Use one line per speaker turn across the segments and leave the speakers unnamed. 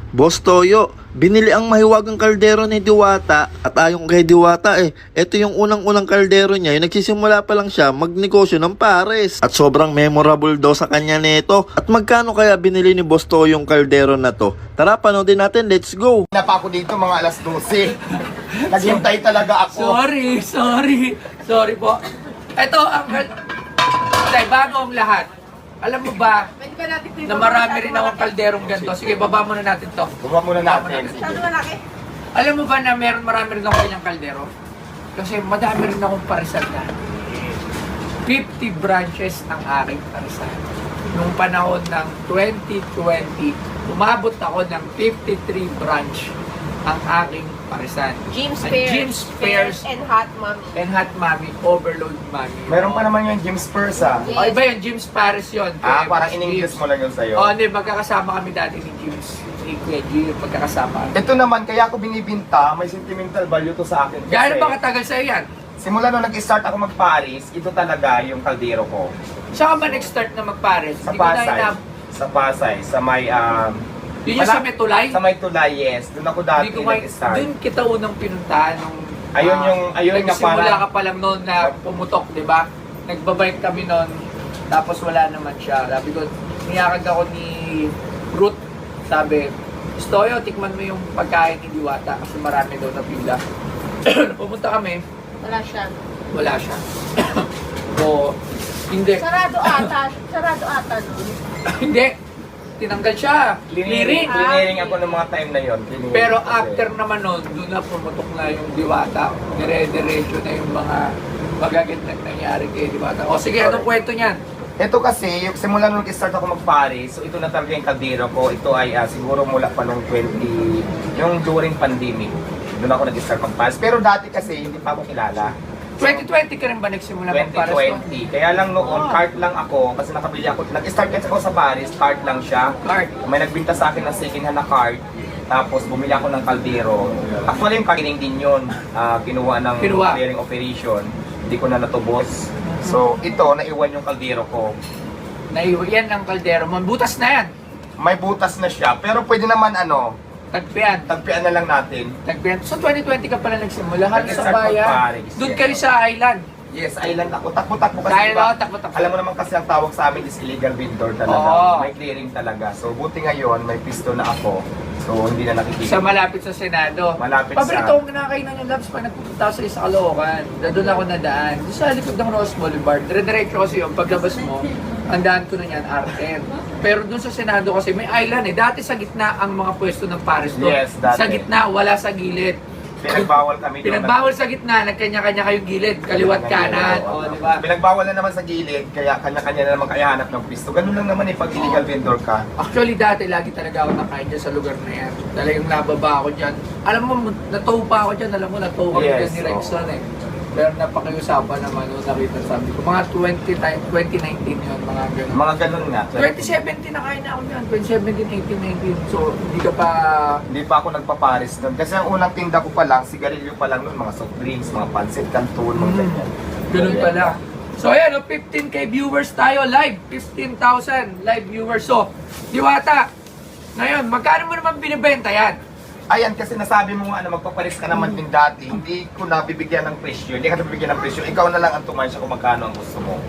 Boss Toyo, binili ang mahiwagang kaldero ni Diwata at ayon kay Diwata ito yung unang-unang kaldero niya, yung nagsisimula pa lang siya magnegosyo ng pares. At sobrang memorable daw sa kanya nito. At magkano kaya binili ni Boss Toyo yung kaldero na to? Tara, panoodin natin, let's go!
Pa ako dito mga alas 12. Naghintay talaga ako.
Sorry po. Ito ang... Tay, bago ang lahat. Alam mo ba na marami rin akong kalderong ganito? Sige, baba muna natin to.
Baba muna natin.
Alam mo ba na marami rin akong ganyang kaldero? Kasi madami rin akong parisan na. 50 branches ang aking parisan. Nung panahon ng 2020, umabot ako ng 53 branch ang aking parisan.
Jim's Pears and Hot Mommy.
And Hot Mommy, Overload Mommy.
Meron pa naman yung Jim's Pears
O iba yun, Jim's Paris yun.
parang in-English mo lang yun sa'yo.
Oo, hindi, magkakasama kami dati ni Jim's. Ni Kuya G, magkakasama.
Ito naman, kaya ako binibinta, may sentimental value to sa akin.
Gaano ba katagal sa'yo yan?
Simula nung nag-start ako mag-Paris, ito talaga yung kaldero ko.
Saan ka ba nag-start na mag-Paris?
Sa
Hindi ko na
Pasay. Sa Pasay, sa may...
Yun yung sa may tulay?
Sa may tulay, yes. Doon ako dati nag-start.
Doon kita unang pinuntahan nung...
Ayun nga
nagsimula
parang...
ka pa lang noon na pumutok, di ba? Nagbabike kami noon, tapos wala naman siya. Sabi ko, niyakag ako ni Ruth. Sabi, Stoyo, tikman mo yung pagkain ni Diwata kasi marami daw na pila. Pumunta kami,
Wala siya.
wala siya. So, hindi.
Sarado ata nun.
Hindi. Tinanggal siya. Clearing.
Clearing ako ng mga time na yon.
Pero after naman nun, doon na pumutok na yung Diwata. Dire-diretso na yung mga magagit na nangyari kay Diwata. O sige, anong kwento niyan?
Ito kasi, yung simula nung nag-start ako mag-Paris, so ito na talaga yung kaldero ko. Ito ay siguro mula pa nung yung during pandemic. Doon ako nag-start mag-Paris. Pero dati kasi, hindi pa ako kilala.
2020 ka rin ba nagsimula mag-Paris doon?
2020. Kaya lang noon, cart lang ako kasi nakabili ako. Nag-start kasi ako sa Paris, cart lang siya.
Cart.
May nagbinta sa akin ng second hand na cart. Tapos bumili ako ng kaldero. Actually yung clearing din yun. Kinuha ng clearing operation. Hindi ko na natubos. So ito, naiwan yung kaldero ko.
Yan ang kaldero mo. Butas na yan.
May butas na siya, pero pwede naman
Tagpian.
tagpian na lang natin.
Tagpian. So 2020 ka pala nagsimula. Halos sa
Nag-start
bayan.
mag-Paris,
Doon
yes.
kayo sa island.
Yes, island ako. Takbo-takbo kasi.
Dahil
diba,
ako, takbo-takbo.
Alam mo naman kasi ang tawag sa amin is illegal vendor talaga.
Oo.
May clearing talaga. So buti ngayon, may pisto na ako. So hindi na nakikita.
Sa malapit sa Senado.
Malapit
Paborito kong kinakainan yung labs pag nagpupunta sa isa Caloocan. Doon ako nadaan. Doon sa likod ng Rose Boulevard. Dire-diretso kasi yung paglabas mo, ang daan ko na yan, R10. Pero doon sa Senado kasi may island Dati sa gitna ang mga pwesto ng Paris doon.
Yes, dati.
Sa gitna, wala sa gilid.
Pinagbawal kami doon.
Pinagbawal sa gitna, nagkanya-kanya kayong gilid, kaliwat kanan, o di ba?
Pinagbawal na naman sa gilid, kaya kanya-kanya na naman kaya hanap ng pisto. Ganun lang naman pag illegal vendor ka.
Actually dati lagi talaga ako nakain dyan sa lugar na yan. Talagang nababa ako dyan. Alam mo, natow pa ako dyan. Alam mo, natow kami
Yes,
dyan ni Rexon Pero napakiusapan naman nung nakita sabi ko. Mga 2019 yun, mga ganun.
Mga ganun nga.
2017 nakain na ako dyan. 2017, 18, 19. So, hindi ka pa...
Hindi pa ako nagpaparis doon. Kasi ang unang tinda ko pa lang, sigarilyo pa lang noon, mga soft drinks, mga pancit canton, mga ganyan.
Ganun pala. So ayan, 15k viewers tayo live. 15,000 live viewers. So, Diwata, ngayon, magkano mo naman binibenta yan?
Ayan, kasi nasabi mo nga na magpaparis ka naman din dati, hindi ko nabibigyan ng presyo. Hindi ka nabibigyan ng presyo. Ikaw na lang ang tumansya kung magkano ang gusto mo.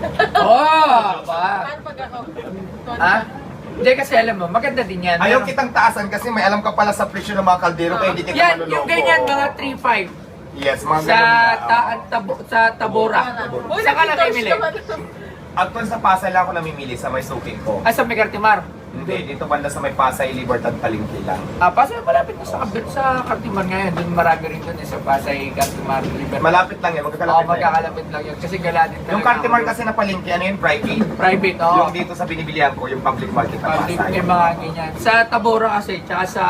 Oh! Ba?
Paano pag ako?
Ha? Hindi kasi alam mo, maganda din yan.
Ayaw kitang taasan kasi may alam ka pala sa presyo ng mga kaldero kaya hindi kita
Yan,
maluloko.
yung ganyan, mga 3.5
Yes, mga
sa
ganun na.
sa Tabora.
Uy,
Saan ka
nakita
namimili?
naman.
Actually sa Pasay lang ako namimili sa may suking ko.
Ah, sa Megartimar.
Hindi, dito banda sa may Pasay, Libertad, Palengke lang.
Pasay, malapit na sa Cartimar ngayon. Doon marami rin doon sa Pasay, Cartimar, Libertad.
Malapit lang yan,
Oo,
magkakalapit lang yan.
magkakalapit lang yun. Kasi gala din talaga.
Yung Cartimar kasi na Palengke, ano yun, private.
Private, oo.
Yung dito sa binibilihan ko, yung public market na
Public,
Pasay.
may mga ganyan. Sa Tabora kasi, tsaka sa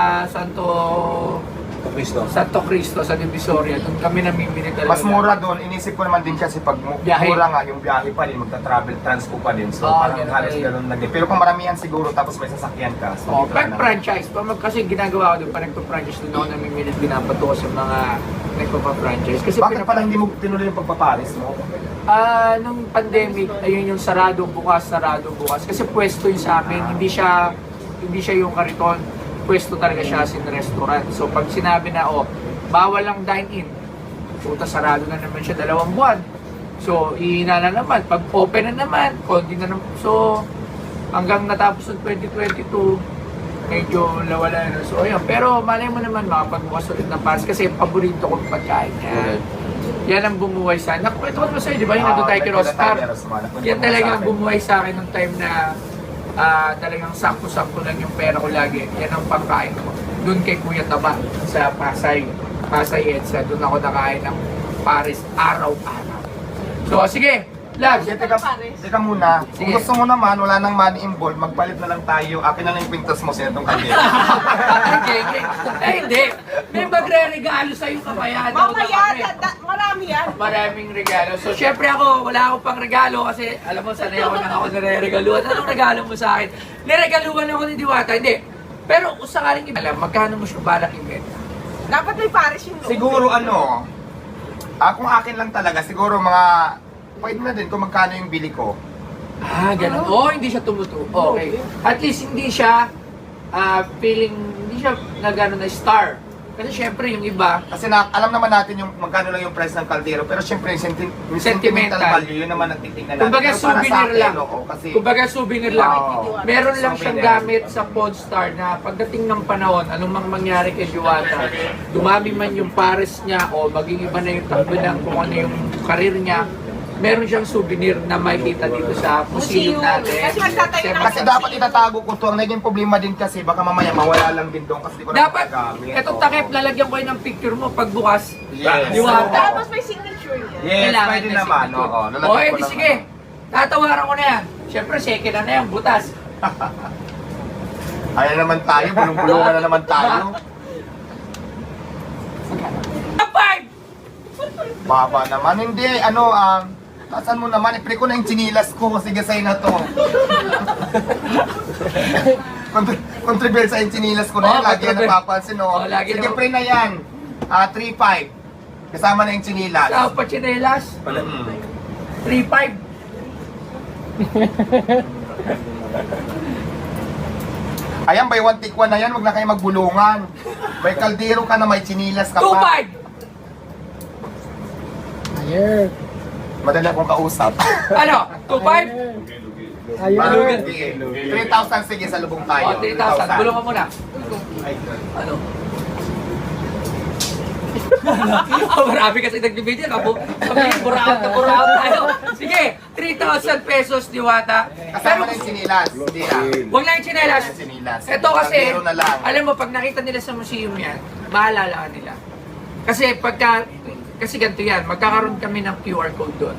Santo Cristo, sa Divisoria, doon kami namimili talaga.
Mas mura doon, inisip ko naman din kasi pag
Biyahe.
mura nga yung biyahe pa din, magta-travel, transpo pa din. So
Oo,
parang
ganun
halos
eh.
ganun lang din. Pero kung maramihan siguro tapos may sasakyan ka. So
Oh,
dito
pag
na.
franchise, kasi ginagawa ko doon, parang franchise doon ako namimili, binabato ko sa mga nagpapa-franchise. Kasi
Bakit pala hindi mo tinuloy yung pagpaparis mo?
nung pandemic, ayun yung sarado bukas. Kasi pwesto yung sa amin, hindi siya yung kariton. pwesto talaga siya as in restaurant. So pag sinabi na, oh, bawal lang dine-in, puta sarado na naman siya 2 buwan. So, ihina na naman. Pag open na naman, konti na naman. So, hanggang natapos ng 2022, medyo nawala na. So, ayun. Pero malay mo naman makapagbukas ulit ng pares kasi paborito kong pagkain yan. Yan ang bumuhay sa akin. Nakwento ko naman sa'yo, di ba? Yung nandun tayo kay Rostar. Yan talagang bumuhay sa akin ng time na talagang sakto-sakto lang yung pera ko lagi. Yan ang pagkain ko. Doon kay Kuya Taba sa Pasay Edsa. Doon ako nakain ng pares araw-araw. So, sige, Lag.
Sige, teka muna. Kung
Sige.
gusto mo naman, wala nang money involved, magpalit na lang tayo. Akin na lang yung pintas mo sa itong kanya.
Okay. Eh, hindi. May magre-regalo sa'yo kamaya.
Mamaya, marami yan.
Maraming regalo. So, syempre ako, wala akong pang regalo kasi alam mo, sanay ako nang ako nare-regaluhan. Anong regalo mo sa akin? Niregaluhan ako ni Diwata. Hindi. Pero kung sakaling alam, magkano mo siya balak ibenta?
Dapat may pares yung loob.
Siguro kung akin lang talaga, siguro pwede na din kung magkano yung bili ko.
Ah, ganun. Oo, hindi siya tumutuo. Okay. At least hindi siya hindi siya nagano na star. Kasi syempre yung iba,
Kasi alam naman natin yung magkano lang yung price ng kaldero, pero syempre yung
Sentimental.
sentimental value, yun naman ang titignan natin.
kumbaga
Pero para sa
souvenir
akin,
lang.
oo, kasi
Kumbaga souvenir lang.
Oo.
Meron lang siyang
Souvenir.
gamit sa Podstar na pagdating ng panahon, anong mang mangyari kay Diwata, dumami man yung pares niya o maging iba na yung takbo ng kung ano yung karir niya, meron siyang souvenir na makikita dito sa museum natin.
Kasi magtatayo
Siyempre,
ng
kasi dapat itatago ko to. Ang naging problema din kasi baka mamaya mawala lang din doon kasi di ko na
dapat,
magagamit.
etong
Oo.
takip, lalagyan ko yun ng picture mo pagbukas.
Yes.
Diwata.
Tapos may signature niya.
Yes,
Kailangan
pwede
may
naman.
signature.
Oo, lalagyan
O,
ko
edi
lang
sige. Tatawaran ko na yan. Siyempre, second na yan, butas.
Ayan naman tayo, bulong-bulungan na naman tayo.
Five!
Baba naman. Hindi, tasan mo naman, ipre ko na yung chinilas ko. Sige, sa'yo na to. Controversial yung chinilas ko na yan.
Oo,
Lagi yan napapansin, no?
Oo, lagi
Sige,
naman.
pre na yan. 3-5. Kasama na yung chinilas.
Sa pachinelas, 3-5.
Ayan, by one take one na yan. Huwag na kayo magbulungan. May kaldero ka na may chinilas ka pa.
2-5.
Madali akong kausap.
Ano? 2-5?
Sige. 3,000 sige sa lubong tayo.
O, 3,000. Bulong ka muna. Ano? Oh, marami kasi nagbibideo. Buraot na buraot tayo. Sige, 3,000 pesos, Diwata.
Kasama na yung chinilas. Hindi
Huwag lang yung tsinelas.
Yung chinilas.
Ito kasi,
Kaldero na lang.
alam mo, pag nakita nila sa museum yan, maalala ka nila. Kasi kasi ganito yan, magkakaroon kami ng QR code doon.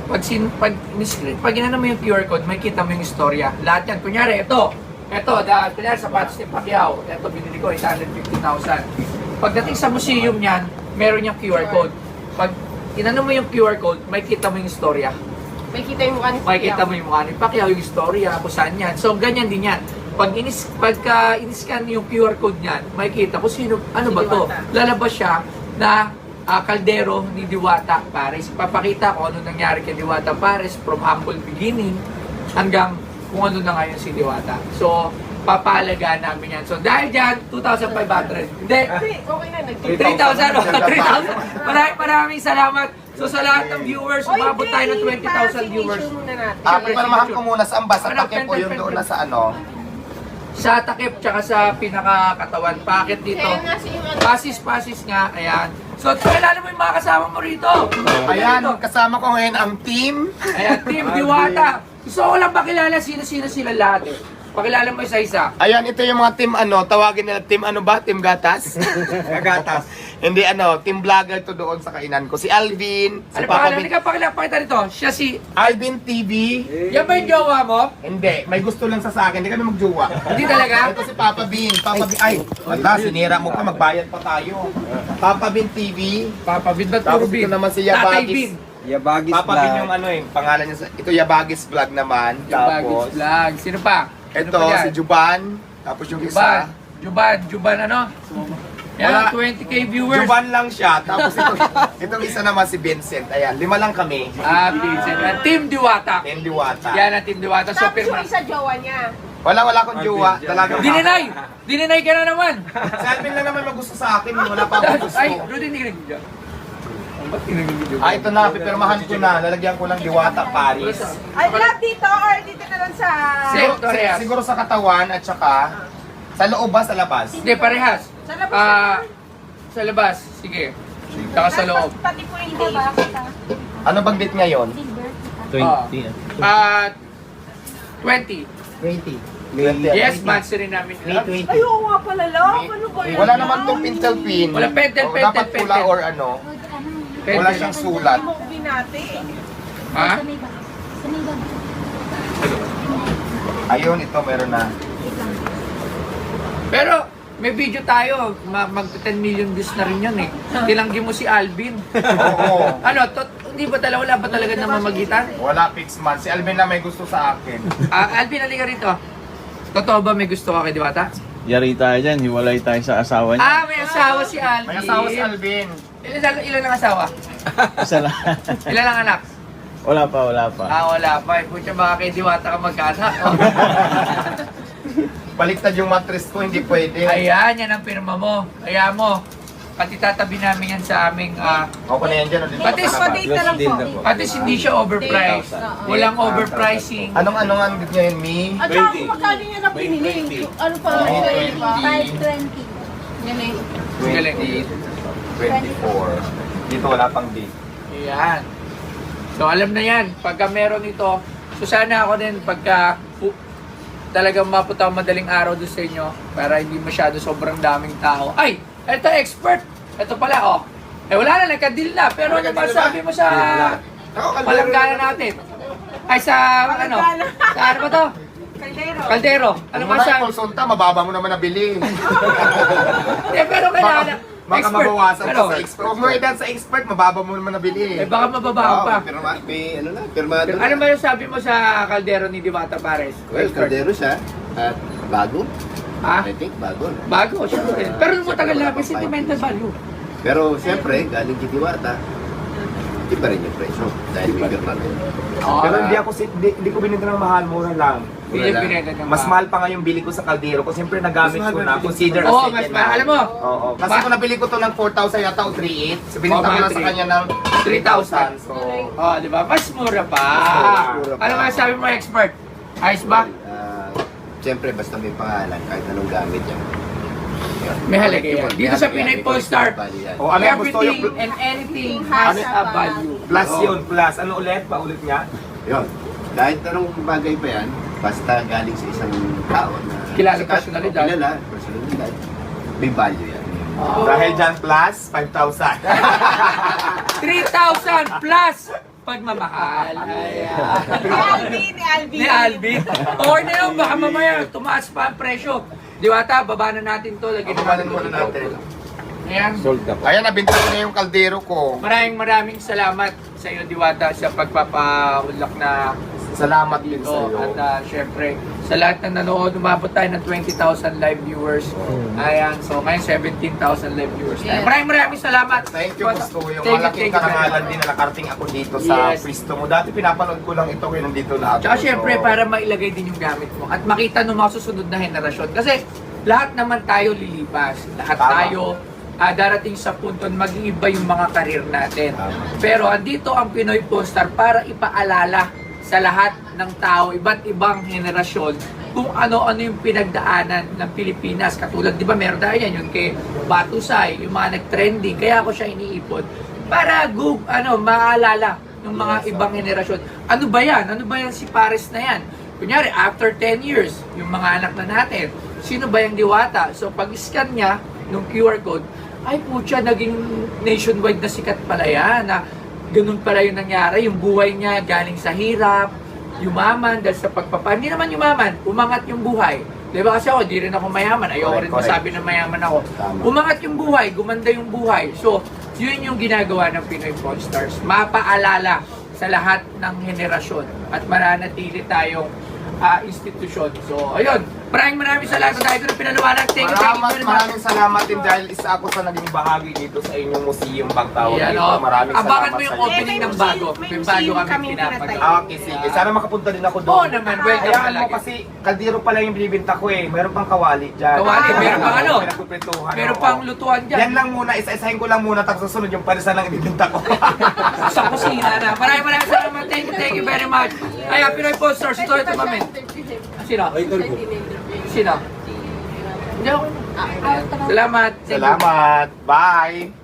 Pag inano mo yung QR code, may kita mo yung istorya. Lahat yan. Kunyari, kunyari sapatos ni Pacquiao. Ito, binili ko, 150,000. Pagdating sa museum niyan, meron yung QR code. Pag inano mo yung QR code, may kita mo yung istorya.
May kita yung mukha ni
Makikita mo yung mukha ni Pacquiao, yung istorya, kung saan yan. So, ganyan din yan. Pagka in-scan yung QR code niyan, makikita kung sino, ano ba to?
Diwata.
Lalabas siya na kaldero ni Diwata Pares. Papakita ko ano nangyari kay Diwata Pares from humble beginning hanggang kung ano na ngayon si Diwata. So, papalagaan namin yan. So, dahil dyan, 2,500. Hindi,
Okay na,
3,000. 3,000. Maraming salamat. So, sa lahat ng viewers, umabot tayo ng 20,000 viewers.
muna natin.
Pinamahan ko muna sa ambas. Sa
Ano,
takip po
pen,
yung
pen,
doon
pen.
na sa ano.
Sa takip, tsaka sa pinakakatawan. Pakit dito.
Kaya nga si yung
Pasis nga, ayan. So, kilala mo yung mga kasama mo rito.
Ayan, kasama ko ngayon ang team.
Ayan, Team Diwata. Gusto ko lang pakilala sino-sino sila lahat eh. Pakilala mo isa-isa.
Ayan, ito yung mga team tawagin nila team Team Gatas? Gatas. Hindi team vlogger to doon sa kainan ko. Si Alvin, si
Ano
Papa
pangalan? Hindi ka pakita nito. Siya si...
Alvin TV.
Yan ba yung jowa mo?
Hindi, may gusto lang sa akin. Hindi kami magjowa.
Hindi talaga?
Ito si Papa Bean. Papa Bean. Ay, wala, sinira mo pa. Magbayad pa tayo. Papa Bean TV.
Papa Bin, ba't
Tapos
puro Bin?
ito naman si
Tatay
Yabagis.
Bin.
Yabagis
Papa
Vlog.
Bean yung pangalan niya. Ito Yabagis Vlog naman.
Yabagis
Tapos,
Vlog. Sino pa? Sino
ito
pa yan?
si Juban. Tapos yung isa.
Juban ano? Yan,
Wala.
20k viewers.
Juban lang siya. Tapos itong isa naman si Vincent. Ayan, 5 lang kami.
Vincent. Team Diwata.
Team Diwata.
Yan ang Team Diwata. So,
Tapos yung
pirma.
isa jowa niya.
Wala akong jowa. Talaga.
Dininay ka na naman!
Si Alvin lang naman magusto sa akin. Wala pa akong gusto.
Ay, Rudy, hindi ka nag-video. Ba't hindi nag-video?
Ito na, pipirmahan ko na. Lalagyan ko lang Diwata Paris.
Ay, lahat dito or dito na lang sa...
Siguro sa katawan at saka sa loob ba, sa labas?
Hindi, parehas.
Sa labas
Sa labas, sige. Saka sa loob.
Pati po yung date.
Ano bang date ngayon?
20.
20.
Yes, months rin namin.
Ay, oo nga pala lang. Ano ba yan?
Wala naman tong pintel pin.
Wala, pentel,
O, dapat pula
pentel.
or ano. Wala siyang sulat.
Hindi mo ko binati.
Ha?
Ayun, ito meron na.
Pero, may video tayo. Mag 10 million views na rin yun eh. Tilanggi mo si Alvin.
Oo.
Ano, hindi ba talaga, wala ba talaga namamagitan?
Wala fixed man. Si Alvin na may gusto sa akin.
Alvin, halika rito. Totoo ba may gusto ka kay Diwata?
Yari tayo dyan, hiwalay tayo sa asawa niya.
May asawa si Alvin.
May asawa si Alvin.
Ilan ang asawa?
Isa lang.
Ilan ang anak?
Wala pa.
Wala pa. Pucha, baka kay Diwata ka magkaanak. Oh.
Baliktad yung mattress ko, hindi pwede.
Ayan, yan ang pirma mo. Ayan mo. Pati tatabi namin yan sa aming...
Ako na yan dyan. o, dito
Pati
sa labas.
date na lang po.
At least hindi siya overpriced. Walang overpricing.
Anong ang date niya yun, Mi?
At saka kung magkano niya na pinili. Ano pa?
May
520. Yan eh.
Galing.
24. Dito wala pang date.
Ayan. So alam na yan. Pagka meron ito, so sana ako din pagka talagang mapunta ako madaling araw doon sa inyo para hindi masyado sobrang daming tao. Ay! Ito expert! Ito pala, oh. Wala na, nagka-deal na. Pero ano ba sabi mo sa palanggana natin? Ay, sa ano? Sa ano ba to?
Kaldero.
Kaldero. Ano ba sabi?
Konsulta, mababa mo naman nabili.
Hindi, pero kailangan.
Baka mabawasan
Pero,
pa sa expert. Huwag mo edad sa expert, mababa mo naman nabili.
baka mababa pa.
May ano na, pirmado
Pero, ano ba yung sabi mo sa Kaldero ni Diwata Pares?
Well, kaldero siya at bago.
Ha?
I think bago.
Bago, syempre. Pero nung matagal na, may sentimental value.
Pero siyempre, galing kay Diwata, iba rin yung presyo dahil may pirmado.
Pero hindi ko binenta ng mahal, mura lang.
Hindi yung pinagad ng
Mas mahal pa nga yung bili ko sa kaldero ko. Siyempre nagamit ko na. Consider as
Oo,
second
mas
hand.
mahal. Alam mo,
Oo. Kasi kung nabili ko to ng 4,000 yata o 3,800, so binenta ko
mga
lang sa
3,000.
kanya ng 3,000. So,
oh, di ba? Mas mura pa.
mura pa.
Ano nga sabi mo, expert? Ayos ba?
Siyempre, basta may pangalan, kahit anong gamit yan. Yun.
May halaga yan.
May
Dito sa
halaga
Pinoy
yan.
Polestar,
Value yan.
ano yung gusto yung
everything and anything has a value.
plus yun, plus. Ano ulit? Paulit niya?
Yun. Kahit anong bagay pa yan, basta galing sa isang tao na
Kilala
sikat,
personalidad.
Kilala, personalidad. May value yan.
Dahil dyan plus, 5,000.
3,000 plus pagmamahal. Ayan.
Ni Alvin.
Ni Alvin. Or na yun, baka mamaya tumaas pa ang presyo. Diwata, baba na natin to. Lagyan
Pabanan muna natin.
Ayan.
Ayan, nabinta ko na yung kaldero ko.
Maraming salamat sa iyo, Diwata, sa pagpapaulak na
Salamat din
ito.
sa iyo.
At syempre, sa lahat ng nanood, umabot tayo ng 20,000 live viewers. Ayan, so ngayon 17,000 live viewers.
Yes.
Maraming salamat.
Thank you, gusto ko yung
Thank you,
malaking
thank you very
karangalan
much.
din na nakarating ako dito sa
Yes.
pwesto mo. Dati pinapanood ko lang ito ngayon nandito na ako.
Tsaka syempre,
So,
para mailagay din yung gamit mo at makita ng mga susunod na henerasyon. Kasi lahat naman tayo lilipas. Lahat
Tama.
tayo darating sa punto na mag-iiba yung mga karir natin. Pero andito ang Pinoy Polestar para ipaalala sa lahat ng tao, iba't ibang henerasyon, kung ano-ano yung pinagdaanan ng Pilipinas. Katulad, di ba, meron tayo yan, yung kay Batusay, yung mga nag-trending, kaya ako siya iniipon. Para maalala ng mga ibang henerasyon. Ano ba yan? Ano ba yan si Pares na yan? Kunyari, after 10 years, yung mga anak na natin, sino ba yung Diwata? So, pag-scan niya, nung QR code, ay putya, naging nationwide na sikat pala yan. Na ganun pala yung nangyari. Yung buhay niya galing sa hirap, yumaman dahil sa hindi naman yumaman, umangat yung buhay. Diba kasi ako, di rin ako mayaman. Ayoko rin
Correct.
masabi na mayaman ako.
Tama.
Umangat yung buhay, gumanda yung buhay. So, yun yung ginagawa ng Pinoy Polestars. Mapaalala sa lahat ng henerasyon at mananatili tayong institusyon. So, ayun. Maraming salamat dahil ko na pinaliwanag. Thank you very much.
Maraming salamat din dahil isa ako sa naging bahagi dito sa inyong museum Bagtao.
Yan,
dito. Maraming
Abangan
salamat
mo yung
sa inyo.
opening ng bago. May bago kami pinapagawa.
Okay, sige. Sana makapunta din ako doon.
Oo naman, welcome
Hayaan mo
talaga.
kasi kaldero pala yung binibinta ko eh. Meron pang kawali dyan.
Kawali, meron pang ano?
Pinagpipintuhan.
Meron
oo.
pang lutuan dyan.
Yan lang muna, isa-isahin ko lang muna tapos susunod yung parisan lang ibibinta ko.
Sa kusina na. Maraming salamat. Thank you very much. Ay, Pinoy Posters. Ito mami. Sino? Sino? Hindi ako. Salamat. Thank you.
Salamat. Bye.